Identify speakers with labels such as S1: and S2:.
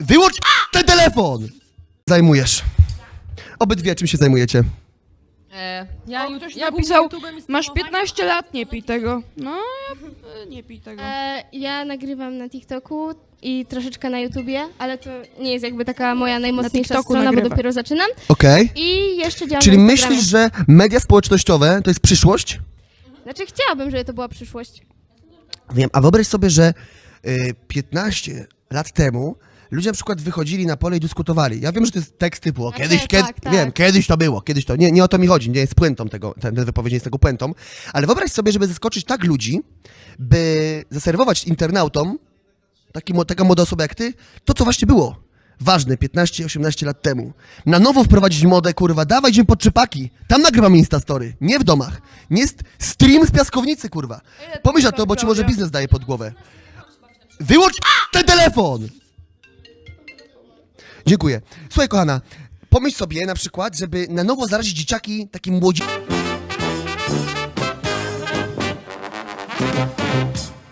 S1: Wyłącz ten telefon! Zajmujesz. Obydwie czym się zajmujecie?
S2: Ktoś
S3: Ja
S2: napisał,
S3: pisał,
S2: masz 15 lat, nie pij tego. No, ja nie pij tego.
S4: Ja nagrywam na TikToku i troszeczkę na YouTubie, ale to nie jest jakby taka moja najmocniejsza
S2: TikToku
S4: strona,
S2: nagrywa.
S4: bo dopiero zaczynam.
S1: Okej.
S4: I jeszcze działam
S1: Czyli
S4: na Instagramie.
S1: myślisz, że media społecznościowe to jest przyszłość?
S4: Znaczy chciałabym, żeby to była przyszłość.
S1: Wiem, a wyobraź sobie, że 15 lat temu ludzie na przykład wychodzili na pole i dyskutowali. Ja wiem, że to jest tekst typu, kiedyś,
S4: tak.
S1: wiem, kiedyś to było, kiedyś to. Nie o to mi chodzi, nie jest puentą tego, ten wypowiedź nie jest tego puentą, ale wyobraź sobie, żeby zaskoczyć tak ludzi, by zaserwować internautom, taka młoda osoba jak ty, to co właśnie było ważne 15-18 lat temu. Na nowo wprowadzić modę, kurwa, dawaj, idziemy pod Czypaki, tam nagrywamy Instastory, nie w domach. Nie jest stream z piaskownicy, kurwa. Pomyśl na to, bo ci może biznes daje pod głowę. Wyłącz ten telefon! Dziękuję. Słuchaj, kochana, pomyśl sobie na przykład, żeby na nowo zarazić dzieciaki takim młodzi...